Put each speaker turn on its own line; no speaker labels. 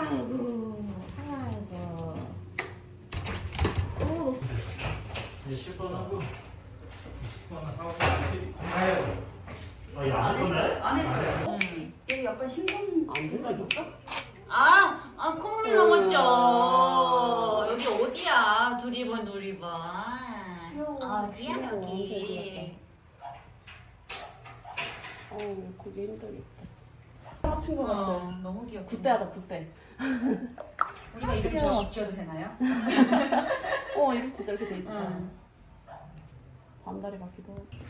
아이고, 아이고. 오,
10번 하고 10번 하고 아유 안 했어요?
안 했어요. 여기 약간 신분
안 들어있어?
콧물 넘었죠. 여기 어디야? 두리번. 어디야 여기?
그게 힘들겠다. 떨어친 거 같아.
너무 귀엽다.
굿대 하자, 굿대.
우리가 이름 지어도 되나요?
이렇게 진짜 이렇게 돼 있다. 반다리 같기도 하고.